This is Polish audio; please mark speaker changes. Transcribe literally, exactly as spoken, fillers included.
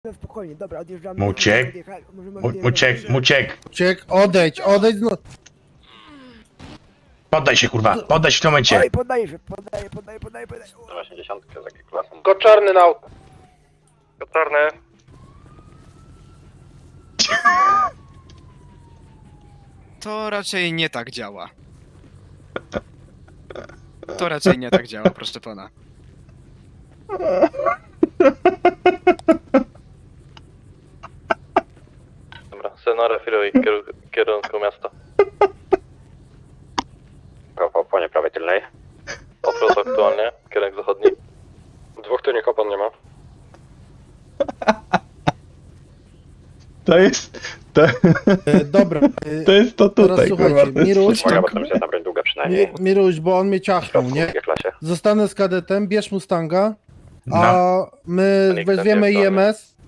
Speaker 1: No spokojnie, dobra, odjeżdżamy.
Speaker 2: Muciek?
Speaker 1: Możemy odjechać, możemy
Speaker 2: Mu,
Speaker 1: odjechać.
Speaker 2: Muciek, Muciek!
Speaker 3: Ciek, odejdź, odejdź, no.
Speaker 2: Poddaj się, kurwa, poddaj się w tym momencie!
Speaker 1: Oj, poddaję się, poddaję, poddaję, poddaję, poddaję.
Speaker 4: osiemdziesiąt z jakiej klasą?
Speaker 3: Tylko czarny na auto.
Speaker 4: Czarny.
Speaker 5: To raczej nie tak działa. To raczej nie tak działa, proszę pana.
Speaker 4: Dobra, Senora Firuj, kierunku miasta. Po płonie prawej tylnej. Odwrót aktualnie, kierunek zachodni. Dwóch tylnych opon nie ma.
Speaker 2: To jest... To,
Speaker 3: E, dobra, e,
Speaker 2: to jest to
Speaker 3: teraz
Speaker 2: tutaj,
Speaker 3: słuchajcie,
Speaker 2: kurwa. To jest
Speaker 3: Miruś,
Speaker 2: coś
Speaker 4: Uwaga,
Speaker 2: tam,
Speaker 4: bo tam jest na broń długa przynajmniej.
Speaker 3: Mi, Miruś, bo on mnie ciachnął,
Speaker 4: W
Speaker 3: nie?
Speaker 4: drugiej klasie.
Speaker 3: Zostanę z kadetem, bierz Mustanga,
Speaker 2: No.
Speaker 3: a my
Speaker 4: Nikt
Speaker 3: weźmiemy
Speaker 4: tam nie
Speaker 3: I M S